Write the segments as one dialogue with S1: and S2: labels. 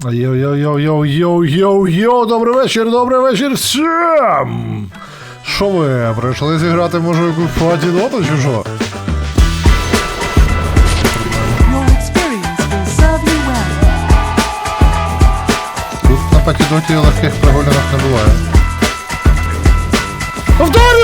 S1: Йоу-йоу-йоу-йоу-йоу-йоу, добрий вечір всім! Що ви, прийшли зіграти, може, якусь платіноту чи що?
S2: Your experience will serve you well.
S1: Тут на патідоті легких прогулянок не буває. Повторю!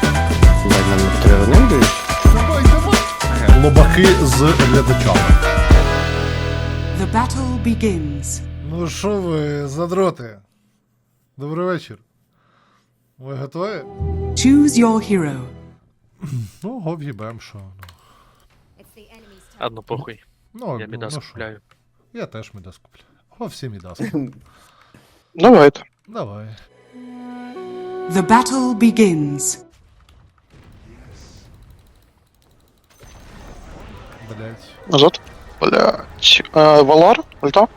S1: Давай, давай! Лобаки з глядачами.
S2: The battle begins.
S1: Ну що ви, задроти? Добрий вечір. Ви готові?
S2: Choose your hero.
S1: Ну, го в'їбем, що.
S3: Ладно, похуй.
S1: Ну,
S3: Я Мідас
S1: що?
S3: купляю.
S1: Я теж Мідас куплю. О, всі Мідас.
S4: Давайте.
S1: Давай.
S2: The battle begins.
S1: Блять.
S4: Назад. Блять. Валар? Ульта?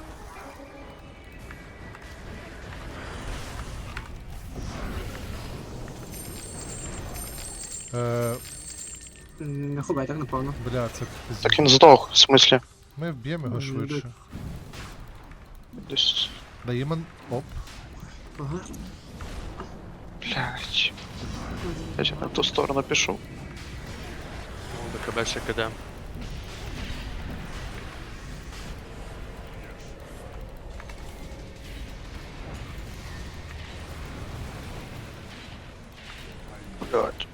S5: Не ховай, так напевно.
S1: Бля, це
S4: Так він здох, в смислі.
S1: Ми вб'ємо його швидше.
S4: Десь.
S1: Даємо. Оп.
S5: Ага.
S4: Блять. Я на ту сторону пішов.
S3: БКБ ще киде.
S4: Блять.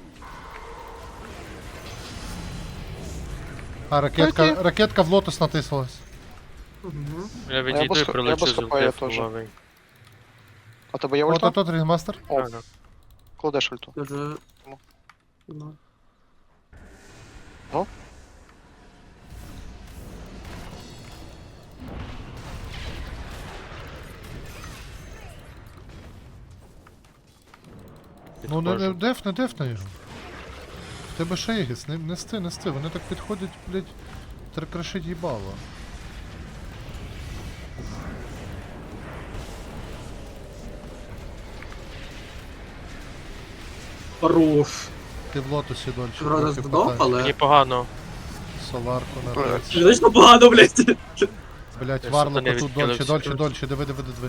S1: А, ракетка в лотос натиснулась.
S3: Я відійду і прилечу з
S4: копаю
S3: ультей
S4: теж.
S3: фуловий.
S4: А тебе є
S1: От
S4: ульта?
S1: от рейнмастер.
S4: О,
S3: Ага.
S4: кладеш ульту.
S5: Дуже...
S4: Ну.
S5: Ну.
S4: Ну?
S1: Ну не
S3: Підходжу.
S1: дефни його. В тебе ще є гіс, нести. Вони так підходять, блять, крашить їбало.
S5: Хорош.
S1: Ти в лотосі дольше.
S5: Вроде
S1: трохи
S5: здох,
S1: потай.
S5: але...
S3: Мені погано.
S1: Соларку на
S4: Блядь.
S1: десь.
S5: Звично погано, блядь.
S1: Блять,
S3: Я
S1: варлоку
S3: сатани
S1: тут
S3: відкилився.
S1: дольше, диви.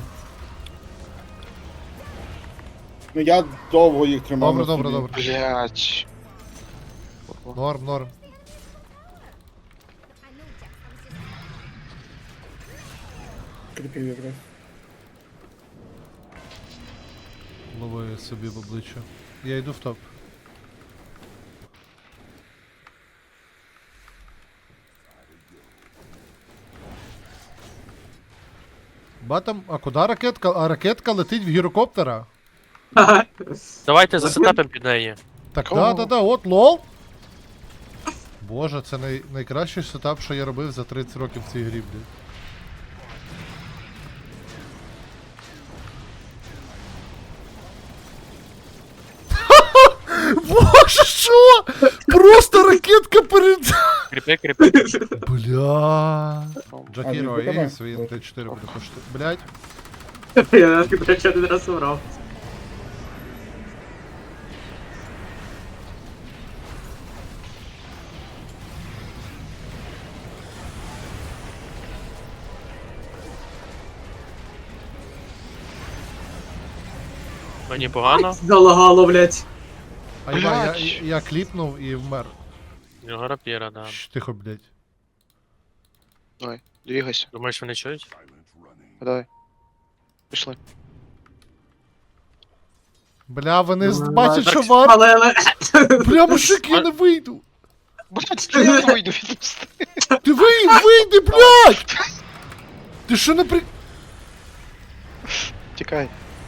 S6: Ну я довго їх тримав. на
S1: Добре.
S6: собі.
S4: Блять.
S1: Норм.
S6: Кріпів якраз.
S1: Лови собі в обличчя. Я йду в топ. Батам, а куди ракетка? А ракетка летить в гірокоптера.
S3: Давайте засетапимо під неї.
S1: Так,
S4: О.
S1: да, от лол. Боже, це найкращий сетап, що я робив за 30 років в цій грі, блядь. Боже, що? Просто ракетка перед...
S3: Кріпи.
S1: Бля. Джакіро,
S6: А, він
S1: Ейс, він Т4 буде коштувати. Блядь.
S5: Я навіть, до речі, один раз убрав.
S3: Мені погано.
S5: Залагало, блядь.
S1: А
S4: Блядь.
S1: я кліпнув і вмер.
S3: У нього рапіра, да.
S1: Тихо, блядь.
S4: Давай, двигайся.
S3: Думаєш, вони чують?
S4: Давай. Пішли.
S1: Бля, вони
S5: Ну,
S1: бачать, що
S5: так,
S1: вар.
S5: Але...
S1: Бля, мужик, я не вийду.
S4: Блять, я не вийду відпусти.
S1: Ти вийди, блядь! Ти що не при...
S4: Тікай.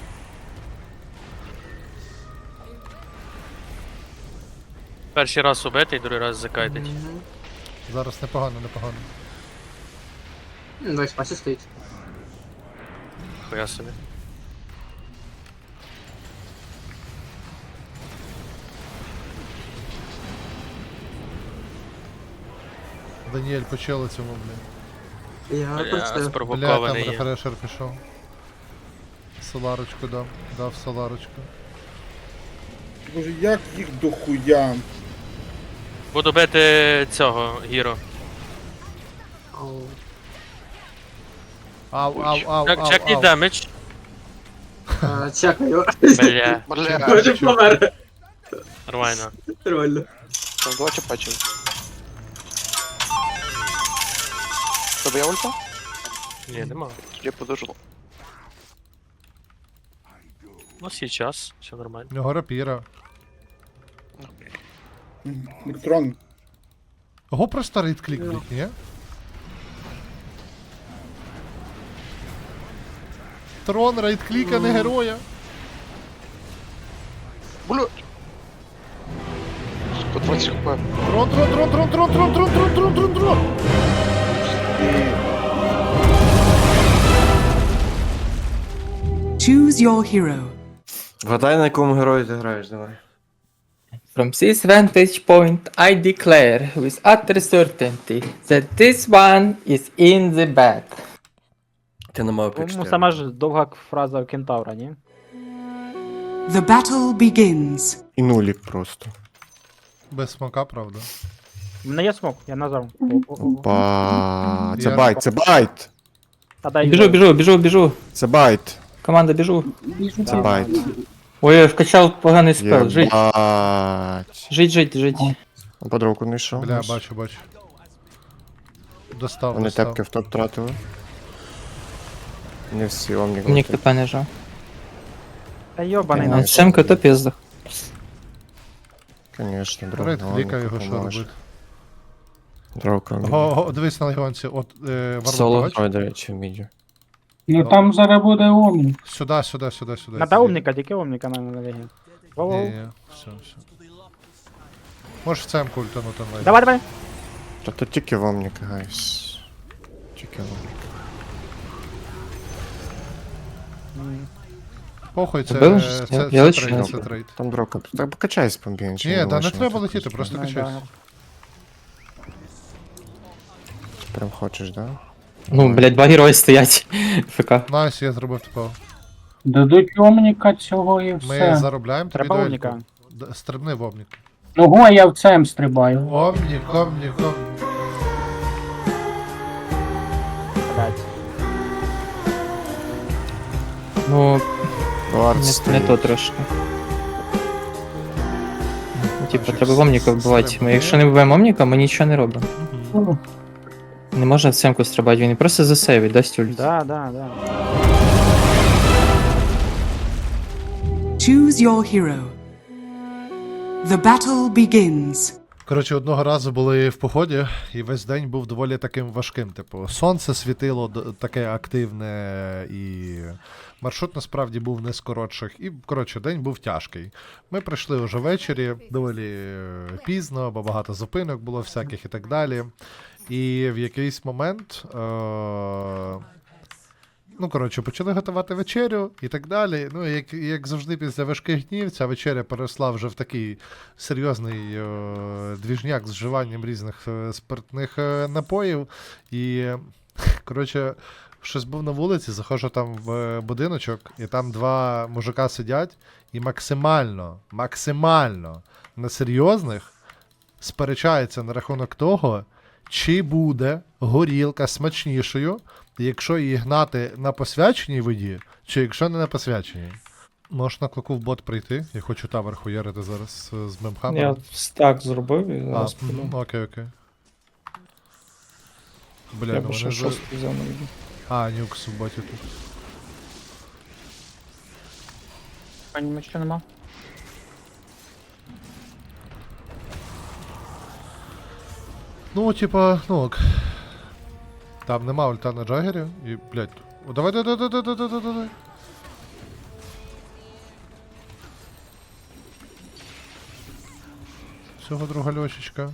S3: Перший раз убитий, другий раз закайтить.
S1: Зараз непогано.
S5: Давай, спасі стоїть.
S3: Хуя собі.
S1: Даніель почали цьому, блядь.
S5: Я
S3: Я
S5: прочитаю.
S1: Бля, там
S3: спровокований є.
S1: рефрешер пішов. Соларочку дав соларочку.
S6: Боже, як їх дохуя?
S3: Буду бити цього Гіро.
S5: Ау.
S1: Ау, ау, ау, ау,
S3: Чекні
S1: ау.
S3: демедж.
S5: Чекаю.
S3: Бля,
S4: Бля,
S5: Може помер.
S3: нормально.
S5: Нормально.
S4: там два типа чим. Тебе є ульта?
S3: Ні, нема.
S4: Я подожду.
S3: Ну, сейчас, все нормально.
S1: У нього рапіра.
S6: Міктрон.
S1: Го просто рейд-клік, блядь, ні? Трон рейд-кліка, не героя.
S4: Бля. По 20 хп.
S1: Трон, трон, трон, трон, трон, трон, трон, трон, трон, трон, трон.
S2: Choose your hero.
S7: Вгадай, на якому герої ти граєш, давай.
S8: From this vantage point, I declare with utter certainty that this one is in the back.
S7: Ти на мавпі
S9: Ну, сама ж довга фраза у кентавра, ні?
S2: The battle begins.
S7: І нулік просто.
S1: Без смака, правда.
S9: У мене є смок, я назвав.
S7: Опа. Це
S1: Я-
S7: байт, це байт!
S9: Та дай
S8: Біжу.
S7: Це байт.
S8: Команда, біжу.
S7: Це байт.
S8: Ой, я вкачав поганий спел. Жить.
S7: Єбать.
S8: Жить.
S7: Подруку не йшов.
S1: Бля, бачу. Достав,
S7: Вони
S1: достав.
S7: тепки в топ тратили. Не всі, омнік.
S8: Мені КП не жав.
S9: Та йобаний на.
S8: Семка то пізда.
S7: Конечно, дров.
S1: Рейд-кліка його що робити.
S7: Дровка.
S1: Го, дивись на легіонці, от
S7: Соло.
S1: Варвар,
S7: Ой, до речі, в міді.
S6: Ну там зараз буде омні.
S1: Сюди.
S9: Надо умника, тільки умника на вегі. Воу-воу.
S1: Ні, все. Можеш в цемку ультанути на
S9: Давай.
S7: Та тут тільки в омнік, гайс. Тільки в омнік.
S1: Похуй, це
S8: Вбили ж? Я
S1: це
S8: лечу.
S1: трейд, це трейд.
S7: Там дровка. Так покачайся помбінче.
S1: Ні, да не треба летіти, просто качайся.
S7: Прям хочеш, да?
S8: Ну, блядь, два герої стоять. ФК.
S1: Найс, я зробив такого.
S6: Дадуть омніка цього і
S1: Ми
S6: все.
S1: заробляємо тобі
S9: Треба
S1: дуельку.
S9: умника.
S1: Стрибни в омнік.
S6: Ну го я в цем стрибаю.
S1: Омнік.
S9: Блядь.
S8: Ну,
S7: Вард
S8: не
S7: стоїть.
S8: то трошки. Ну, типа,
S1: Значить,
S8: треба омніка вбивати.
S1: стрибни.
S8: Якщо не вбиваємо омніка, ми нічого не робимо.
S6: Ну,
S8: Не можна в семку стрибати, він просто засейвить, дасть ульт.
S9: Да.
S2: Choose your hero. The battle begins.
S1: Коротше, одного разу були в поході, і весь день був доволі таким важким. Типу, сонце світило таке активне, і маршрут насправді був не з коротших. І, коротше, день був тяжкий. Ми прийшли вже ввечері, доволі пізно, бо багато зупинок було всяких і так далі. І в якийсь момент. Ну, коротше, почали готувати вечерю і так далі. Ну, як завжди, після важких днів, ця вечеря переросла вже в такий серйозний двіжняк з вживанням різних спиртних напоїв. І, коротше, щось був на вулиці, заходжу там в будиночок, і там два мужика сидять, і максимально на серйозних сперечаються на рахунок того, чи буде горілка смачнішою, якщо її гнати на посвяченій воді, чи якщо не на посвяченій. Можеш на клоку в бот прийти? Я хочу тавер хуярити зараз з мемхамером.
S8: стак зробив і
S1: Окей. Бля, ну вони ж... А, нюкс в боті тут.
S9: Пані, що нема?
S1: Ну, типа, ну ок. Там нема ульта на Джагері і, блядь. О, давай. Всього друга льошечка.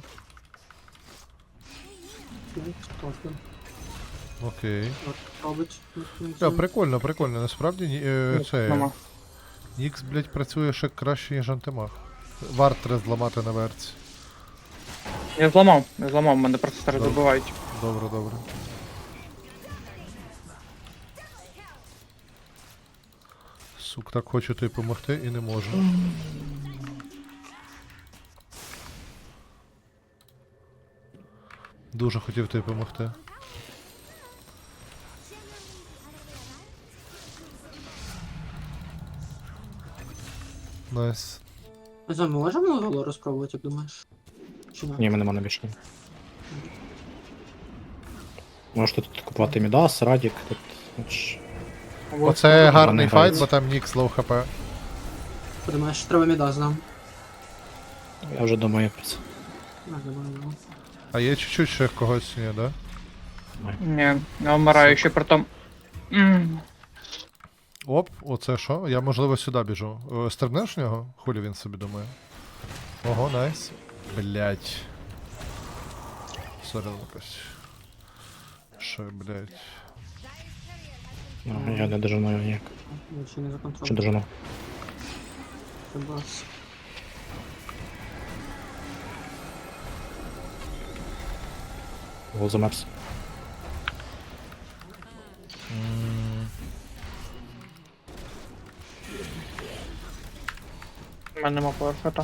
S1: Окей. Прикольно, насправді це. Нікс, блядь, працює ще краще, ніж антимаг. Варт треба зламати на верці.
S9: Я зламав, мене просто зараз добивають.
S1: Добре. Сук, так хочу тобі допомогти і не можу. Дуже хотів тобі допомогти. Найс.
S5: Ми з вами можемо Валору спробувати, як думаєш? Чи ні?
S9: Ні, мене нема більше. Можете тут купувати Мідас, Радік, тут.
S1: Оце гарний
S9: не
S1: файт,
S9: грається.
S1: бо там Нікс лоу хп.
S5: Подумаєш, треба Мідас нам.
S9: Я вже думаю про це.
S1: А є чуть-чуть ще когось, ні, да?
S9: Ні, я вмираю ще при тому.
S1: Оп, оце що? Я можливо сюди біжу. Стрибнеш в нього? Хулі він собі думає. Ого, найс. Блять. Сорян якось. Що, блять.
S9: Ну, я не дожину його ніяк.
S5: Я ще не
S9: Чи
S5: законтролюю.
S9: дожину?
S5: Це бас.
S9: Гол замерз. У мене нема поверхота.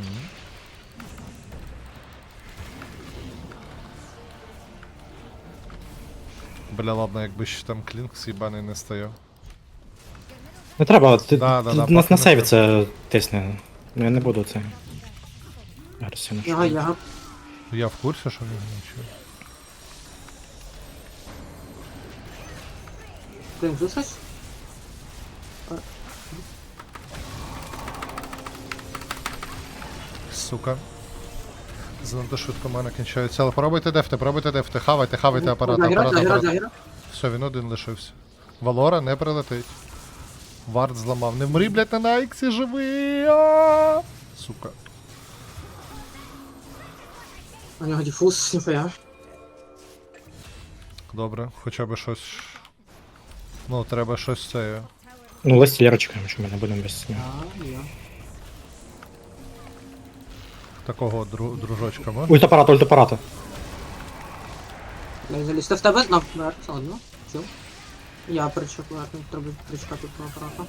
S1: Бля, ладно, якби ще там клінкс їбаний не стояв.
S9: Не треба, ти
S1: Да, да, да,
S9: нас
S1: поки
S9: на
S1: не
S9: сейві
S1: треба.
S9: це тисне. Ну я не буду це. Агресивно.
S5: Яга.
S1: Я в курсі, що в нього нічого.
S5: Блін, тут щось?
S1: Сука. Занадто швидко мене кінчається. Але пробуйте дефти, хавайте апарат, апарат. Все, він один лишився. Валора не прилетить. Вард зламав. Не вмри, блядь, на Найксі, живий! А! Сука.
S5: У нього діфуз, ніфіга.
S1: Добре, хоча б щось. Ну, треба щось це.
S9: Ну, Лестілера чекаємо, що ми не будемо без нього.
S5: Я.
S1: Такого дружочка можна?
S9: Ультапарат, ультапарата.
S5: Не залізти в тебе знав. Все одно. Чув. Я причекаю, треба причекати до апарата.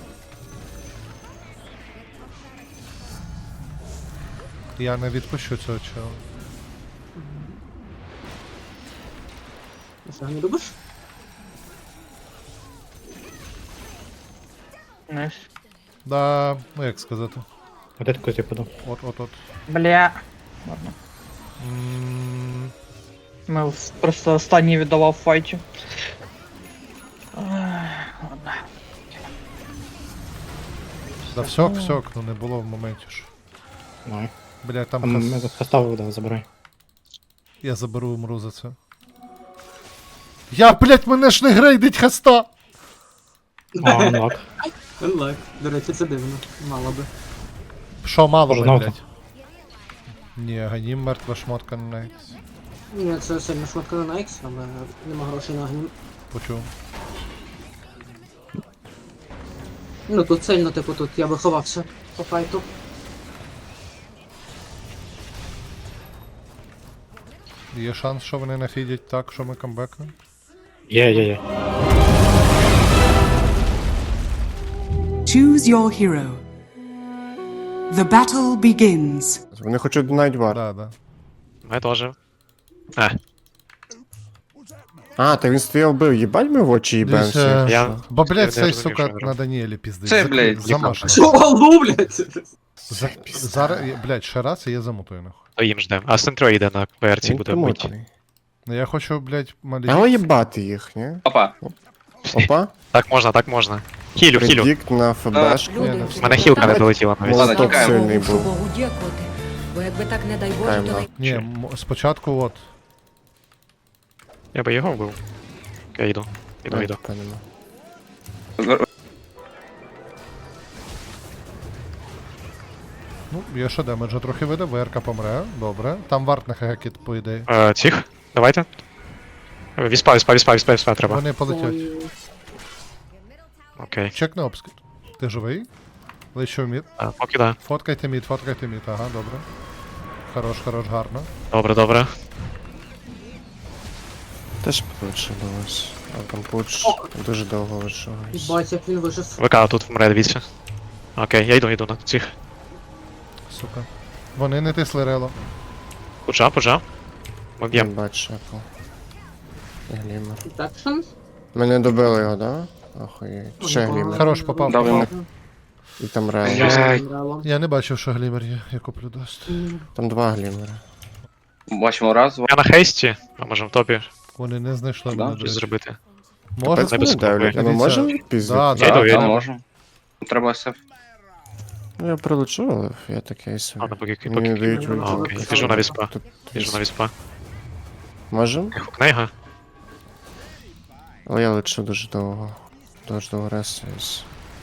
S1: Я не відпущу цього чого.
S5: Ти що, не любиш?
S9: Найс.
S1: Да, ну як сказати.
S9: А де такий типу?
S1: От.
S9: Бля.
S1: М,
S9: Ми просто останній віддавав в файті.
S1: Да все, ну не було в моменті ж.
S9: Ну,
S1: Бля, там
S9: ми поставив, да, забирай.
S1: Я заберу, умру за це. Я, блять, мене ж не грейдить хаста!
S9: А, анлак.
S5: Unlock. До речі, це дивно. Мало би.
S1: Що мало,
S9: Може,
S1: би,
S9: наука?
S1: блять? Ні, ганім мертва шмотка на Найкс.
S5: Ні, це сильно швидко на Найкс, але нема грошей на гнім.
S1: Почув.
S5: Ну тут сильно, типу, тут я би ховався по файту.
S1: Є шанс, що вони нафідять так, що ми камбекнемо?
S9: Є.
S2: Choose your hero. The battle begins.
S7: Вони хочуть навіть вар.
S1: Да.
S3: Ми теж.
S7: А, та він стояв бив, їбать ми в очі їбемося.
S1: Дивіться,
S3: Я-
S1: бо, блядь,
S3: Я
S1: цей,
S3: не
S1: сука,
S3: розумію, що
S1: на Даніелі піздить.
S10: Це, блядь,
S1: замашно.
S5: Що, алло, блядь?
S1: Зараз, блядь, ще раз і я замутую, нахуй.
S3: То їм ждем. А Сентро йде на ПРЦ
S7: Він
S3: буде бити.
S7: примотаний.
S1: Ну я хочу, блядь, малі...
S7: Але їбати їх, ні?
S10: Опа.
S7: Опа.
S3: Так можна. Хілю.
S7: Предікт на ФБшку.
S1: Ні, не
S3: У мене хілка не долетіла навіть.
S10: Ладно,
S7: Молоток
S10: тікаємо.
S7: сильний був.
S11: Богу дякувати. Бо якби так не дай Боже,
S7: Тікаємо.
S11: то
S1: Ні, спочатку от.
S3: Я би його вбив. Окей, йду. Йду.
S7: Та нема.
S1: Ну, я ще демеджа трохи видав, ВРК помре, добре. Там варт на хекіт, по ідеї.
S3: Цих, давайте. Віспа треба.
S1: Вони полетять.
S3: Окей.
S1: Чекни обскид. Ти живий? Лечу мід.
S3: Поки да.
S1: Фоткайте мід, ага, добре. Хорош, гарно.
S3: Добре.
S7: Теж получилось. А там пуч дуже довго вишивається.
S5: Бать, як він вижив.
S3: ВК тут вмре, дивіться. Окей, я йду на цих.
S1: Сука. Вони не тисли рело.
S3: Пуджа. Ми б'ємо.
S7: Бач, шепл. Гліма.
S5: Детекшн?
S7: Мене добили його, да? Охуєть. Ще гліма.
S1: Хорош, попав.
S7: Дав йому. І там
S5: Я
S7: реально.
S5: з Релом.
S1: Я не бачив, що глімер є, я куплю даст.
S7: Там 2 глімери.
S9: Бачимо раз,
S3: Я на хейсті, а може в топі
S1: Вони не знайшли
S9: Да,
S1: мене. до
S3: щось
S1: речі.
S3: зробити.
S1: Може?
S7: Капець вони
S3: безпокою.
S7: давлять. А ми
S1: Дивіться.
S7: можемо
S1: Да,
S7: відпіздити?
S1: да.
S3: Я йду, я йду.
S9: можемо. Треба СФ.
S7: Ну я прилечу, але я такий собі.
S3: Ладно, поки
S7: Мені не дають
S5: А,
S3: А,
S7: ульту.
S3: окей, біжу на віспа.
S7: Тут
S3: Біжу на віспа.
S7: Можем?
S3: Книга.
S7: Але я лечу дуже довго. Дуже довго ресуюсь.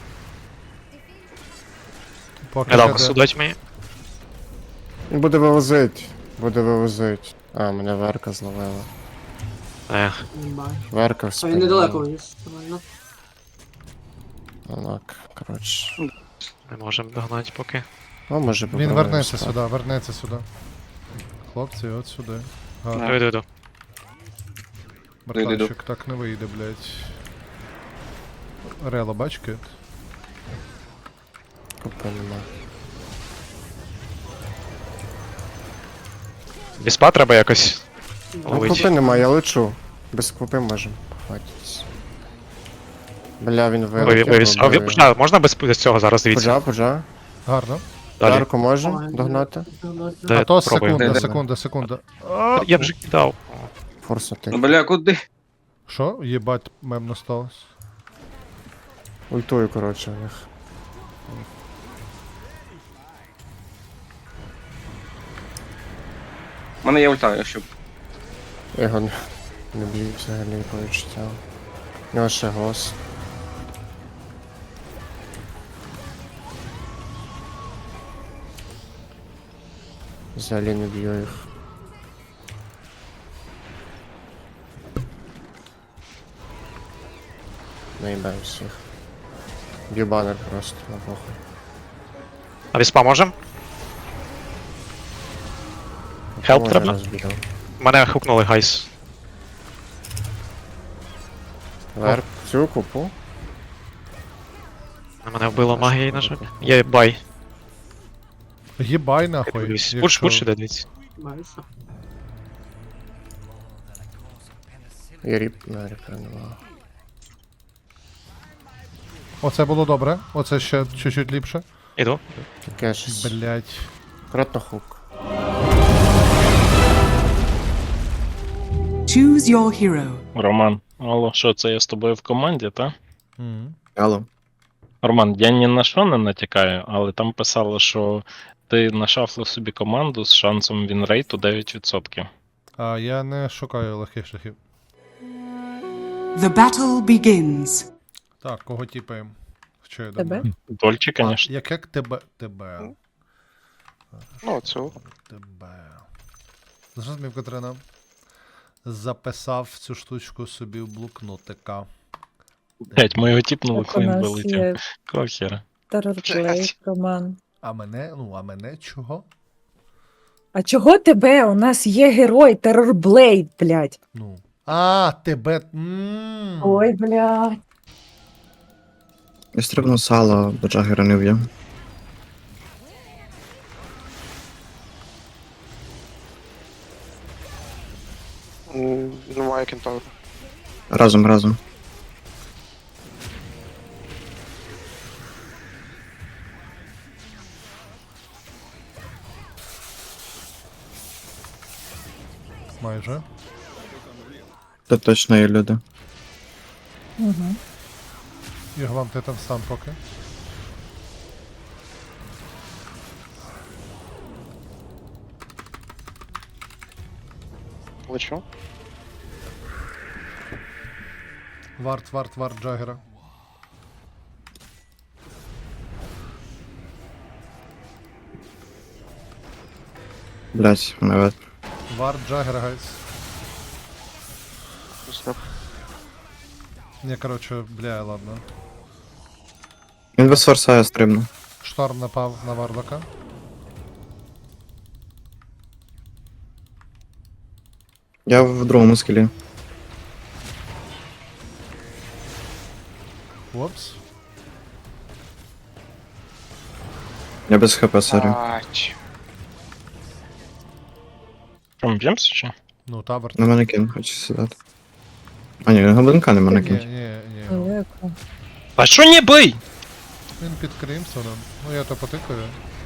S1: Поки
S3: Не дав
S1: ще
S3: косу
S1: де.
S3: дать мені.
S7: Він буде вивозить. Буде вивозить. А, мене Верка зловила.
S5: Не бачу.
S7: Верка в
S5: А
S7: спині.
S5: він недалеко вивіз. Нормально.
S7: Так, коротше.
S3: Не можемо догнати поки.
S7: О, може
S1: Він
S7: попробуємо
S1: вернеться
S7: стати.
S1: сюди, вернеться сюди. Хлопці, от сюди. Гарно.
S3: Йду.
S1: Братанчик, так не вийде, блядь. Рело, бач, кит?
S7: Купи нема.
S3: Віспа треба якось
S7: Ну,
S3: ловити.
S7: купи нема, я лечу. Без купи можемо похватитись. Бля, він вилетів.
S3: Можна без цього зараз дивіться.
S7: Пуджа.
S1: Гарно.
S3: Далі.
S7: Дарку можемо
S5: Ой,
S7: догнати?
S3: Де
S1: А то
S3: пробуємо.
S1: секунда.
S3: Я вже кидав.
S7: Форсу ти.
S9: Бля, куди?
S1: Що? Єбать, мемно сталося.
S7: Ультую, коротше, у них.
S9: У мене є ульта, якщо.
S7: Я його не б'ю взагалі по відчуттям. У нього ще гос. Взагалі не б'ю їх. Наїбаю всіх. Б'ю банер просто на похуй.
S3: А віспа можем? Хелп
S7: Може,
S3: треба?
S7: розбігав.
S3: Мене хукнули гайс.
S7: Верк, цю купу.
S3: На мене вбило магії, на жаль. Є бай.
S1: Єбай нахуй.
S3: Пуш,
S1: якщо-
S3: пуш іде, дивіться.
S5: Бачу.
S7: І ріп на ріпа нема.
S1: Оце було добре. Оце ще чуть-чуть ліпше.
S3: Іду.
S7: Таке щось.
S1: Блять.
S7: Акуратно хук.
S2: Choose your hero.
S10: Роман, алло, що це я з тобою в команді, та?
S7: Алло.
S10: Роман, я ні на що не натякаю, але там писало, що ти нашафлив собі команду з шансом вінрейту 9%.
S1: А я не шукаю легких шляхів.
S2: The battle begins.
S1: Так, кого тіпаємо? Що я
S11: Тебе?
S1: думаю?
S10: Дольче,
S1: А,
S10: звісно.
S1: як тебе? Тебе.
S4: Ну, цю.
S1: Тебе. Зрозумів, Катерина. Записав цю штучку собі в блокнотика.
S10: Блять, ми його тіпнули,
S11: Так, у
S10: коли він
S11: нас
S10: вилетів.
S11: є
S10: Кохера.
S11: терорплей, Роман.
S1: А мене чого?
S11: А чого тебе? У нас є герой, терорблейд, блядь.
S1: Ну. А, тебе.
S11: Ой, блядь.
S12: Я стрибну сало, бо Джаггера не вб'є.
S4: Немає кентавра.
S12: Разом.
S1: Майже.
S12: Тут точно є люди.
S11: Угу.
S1: Ігвам, ти там стан поки.
S4: Лечу.
S1: Варт Джаггера.
S12: Блять, навет.
S1: Варт Джаггера, гайс.
S4: Снап.
S1: Не, короче, бля, ладно.
S12: Він без форса я стрибну.
S1: Шторм напав на Варлока.
S12: Я в другому скілі.
S1: Опс.
S12: Я без хп, сорі.
S4: Ач.
S10: Що, ми б'ємося чи?
S1: Ну, тавер.
S12: На манекен хочу сідати. А ні, гоблинка не
S1: Ні,
S12: манекен.
S1: ні.
S11: Далеко.
S10: А що не бий?
S1: Він під Крімсоном. Ну я то потикаю.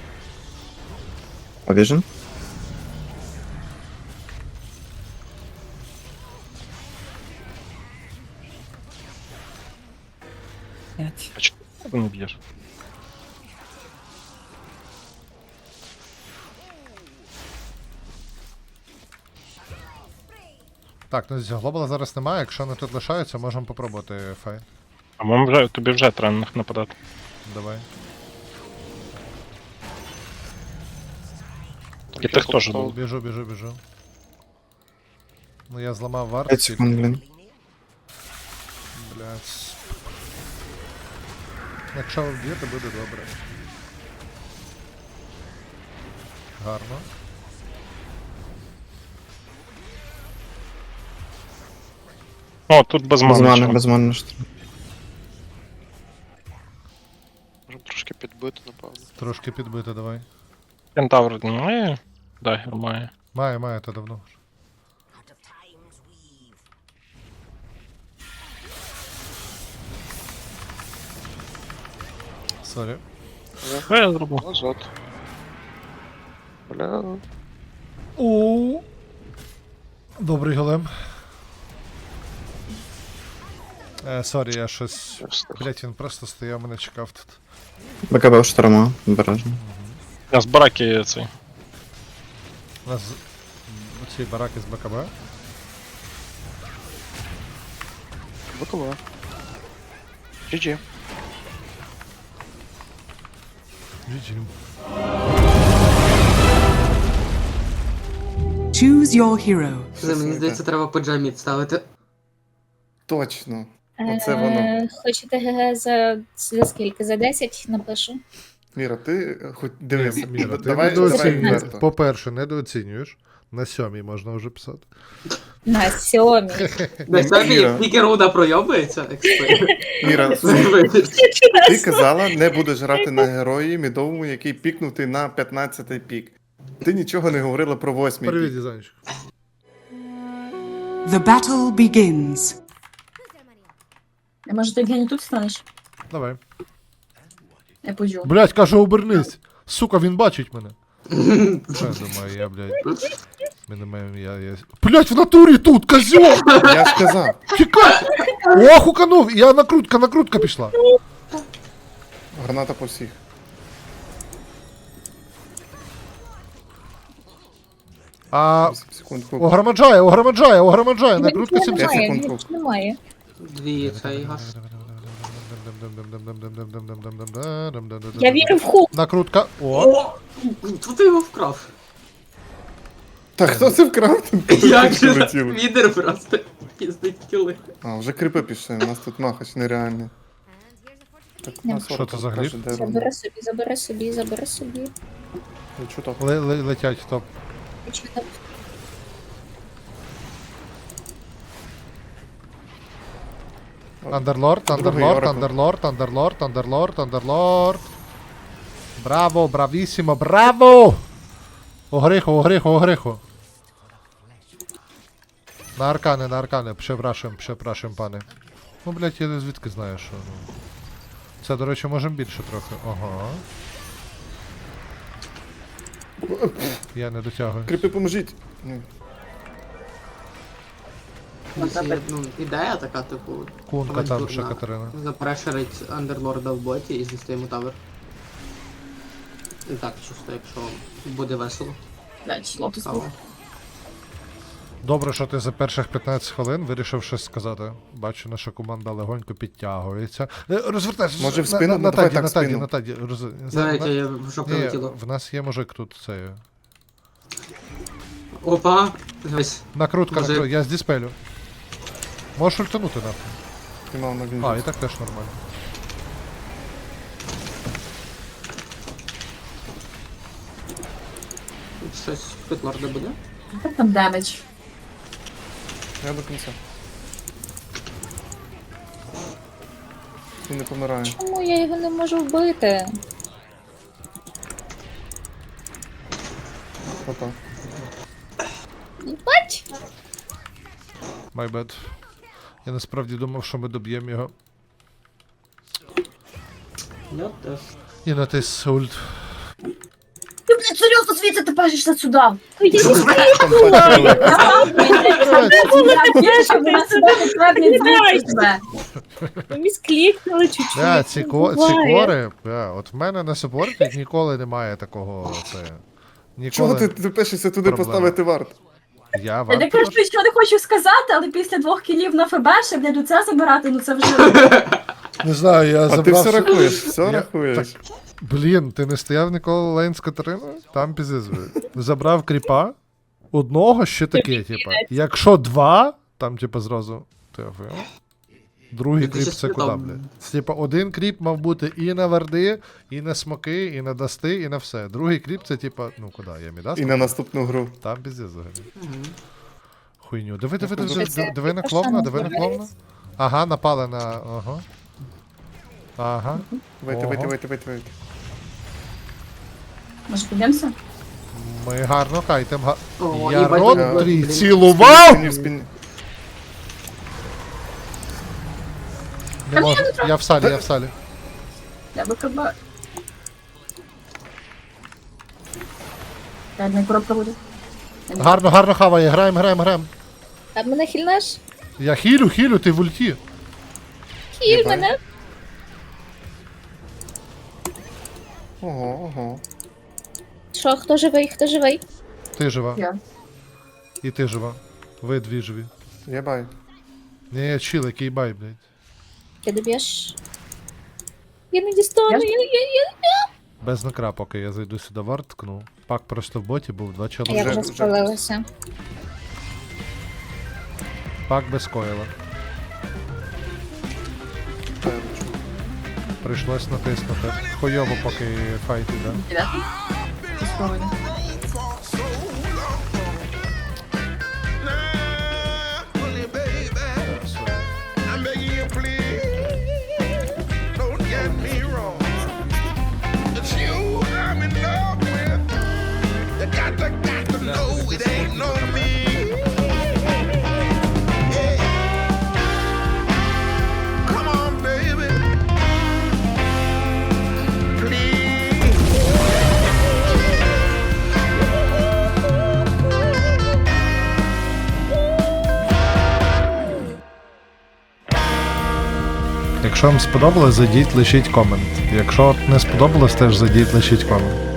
S12: Vision?
S10: А чого ти не б'єш?
S1: Так, ну глобала зараз немає, якщо вони тут лишаються, можемо попробувати фай.
S10: А вам вже, тобі вже треба на них нападати.
S1: Давай.
S10: І ти хто ж був?
S1: Біжу. Ну я зламав варт.
S12: 5 секунд, блін.
S1: Блядь. Якщо ви вб'єте, буде добре. Гарно.
S10: О, тут без
S12: Без
S10: мани.
S12: мани,
S10: чувак.
S12: без мани.
S4: Можемо трошки підбити, напевно.
S1: Трошки підбити, давай.
S10: Кентавр немає? Дагер має.
S1: Має, то давно. вже. Сорі.
S10: Що я зробив?
S4: Назад. Бля.
S1: О. Добрий голем. Сорі, я щось.
S4: Я встиг.
S1: Блять, він просто стояв, мене чекав тут.
S12: БКБ шторма, обережно.
S10: Я з бараки цей.
S1: У нас ці бараки з БКБ.
S4: Бокова. GG.
S1: GG.
S2: Choose your hero.
S5: Це, мені здається, треба по джамі ставити.
S7: Точно. Оце воно.
S11: Хочете ГГ за скільки? За 10 напишу.
S7: Міра, ти хоч дивись.
S1: Міра, ти
S7: давай
S1: недооцінюєш.
S7: відверто.
S1: По-перше, недооцінюєш. На 7 можна вже писати.
S11: На 7.
S5: На самі,
S7: Іра.
S5: як тільки руда пройобується, експерт.
S7: Міра, ти казала, не будеш грати на герої мідовому, який пікнутий на 15-й пік. Ти нічого не говорила про 8-й
S1: Привіт,
S7: пік.
S1: Дізанчик.
S2: The battle begins.
S11: А може ти Євгеній тут станеш?
S1: Давай.
S11: Я пойду.
S1: Блять, кажу, обернись. Сука, він бачить мене. Що я думаю, я, блядь. Ми не маємо, я. Блять, в натурі тут, козьол!
S7: Я ж казав.
S1: Тікай! О, хуканув! Я накрутка пішла.
S7: Граната по всіх.
S1: А
S7: 8 секунд хук.
S1: огромаджає, накрутка 7
S7: П'ять
S1: секунд.
S7: секунд хук.
S11: Немає.
S5: Дві цей газ.
S11: Я вірю в хук.
S1: Накрутка. О!
S5: О! Тут ти його вкрав.
S7: Та хто це вкрав? Там
S5: Як
S7: птички
S5: же
S7: летіли.
S5: відер просто піздить кіли.
S7: А, вже крипи пішли, у нас тут махач нереальний. Так, у нас
S1: Що
S7: орка
S1: це за
S7: каже,
S1: гліб?
S7: де вона?
S11: Забери собі.
S7: Я чую так.
S1: Летять, топ. Андерлорд. Браво, бравісімо, браво! Огриху. На аркани, препрашуємо, пане. Ну, блять, я звідки знаю, що. Ну. Це, до речі, можемо більше трохи. Ага. Я не дотягую.
S7: Крипи, поможіть! Ну,
S5: Ну, ідея така, типу,
S1: Кунка там ще
S5: дурна.
S1: Катерина.
S5: Запрешерить андерлорда в боті і знести йому тавер. І так, чисто, якщо буде весело. Цікаво.
S1: Добре, що ти за перших 15 хвилин вирішив щось сказати. Бачу, наша команда легонько підтягується. Розвертайся.
S7: Може в спину? Ну, давай так, в спину.
S1: на таді.
S5: Знаєте, я в що
S1: Ні,
S5: прилетіло.
S1: в нас є мужик тут це.
S5: Опа! Ось.
S1: Накрутка,
S5: Мужик.
S1: я з диспелю. Можеш ультанути нахуй.
S7: знімав на він.
S1: А, і так теж нормально.
S5: Щось Петлорда буде?
S11: Як там демедж?
S7: Я до кінця. Він не помирає.
S11: Чому я його не можу вбити?
S7: Опа.
S11: Бач?
S1: My bad. Я насправді думав, що ми доб'ємо його.
S5: Я теж.
S1: І натис ульт.
S11: Ти, блядь, серйозно звідси ти пишешся сюди? Місклікнули чуть-чуть.
S1: Да, ці кори, от в мене на супорті ніколи немає такого, це...
S7: Чого
S1: Ніколи.
S7: ти пишешся туди
S1: Проблема.
S7: поставити варт?
S1: Я
S11: Я
S1: вам
S11: не кажу, що не хочу сказати, але після 2 кілів на ФБ ще, блядь, оце забирати, ну це вже...
S1: не знаю, я
S7: А ти
S1: забрав...
S7: все рахуєш, все
S1: Я-
S7: рахуєш.
S1: Блін, ти не стояв ніколи лейн з Катериною? Там піздець. Забрав кріпа, одного ще таке, типа. Якщо 2, там, типа, зразу. Ти офігел? Другий
S5: Ти
S1: кріп
S5: ще
S1: це куди,
S5: спитав.
S1: блядь? Типа, один кріп мав бути і на варди, і на смоки, і на дасти, і на все. Другий кріп це, типа, ну куди, я мідас?
S7: І на наступну гру.
S1: Там піздець взагалі. Хуйню. Диви на кловна, диви на кловна. Ага, напали на. Ага. Ага.
S7: Вийти,
S1: Ого.
S7: вийти.
S11: Може, підемося?
S1: Ми гарно кайтем.
S5: О,
S1: Я
S5: їбать,
S1: рот
S5: блін.
S1: твій цілував!
S7: В спині.
S1: Не можу. Я в салі, я в салі.
S11: Я би КБ. Реальна коробка буде.
S1: Гарно хаває, граємо.
S11: А мене хильнеш?
S1: Я хілю, ти в ульті.
S11: Хіль мене.
S7: Ого.
S11: Що, хто живий, хто живий?
S1: Ти жива.
S11: Я.
S1: І ти жива. Ви дві живі.
S7: Єбай.
S1: Ні, чил, який бай, блядь.
S11: Ти доб'єш? Я не дістану, я...
S1: Без накра, поки я зайду сюди варт, ткну. Пак просто в боті був 2
S11: Я
S1: чоловіка.
S11: вже спалилася.
S1: Пак без койла. Прийшлось натиснути. Хуйово, поки файт іде. Якщо вам сподобалось, зайдіть, лишіть комент. Якщо не сподобалось, теж зайдіть, лишіть комент.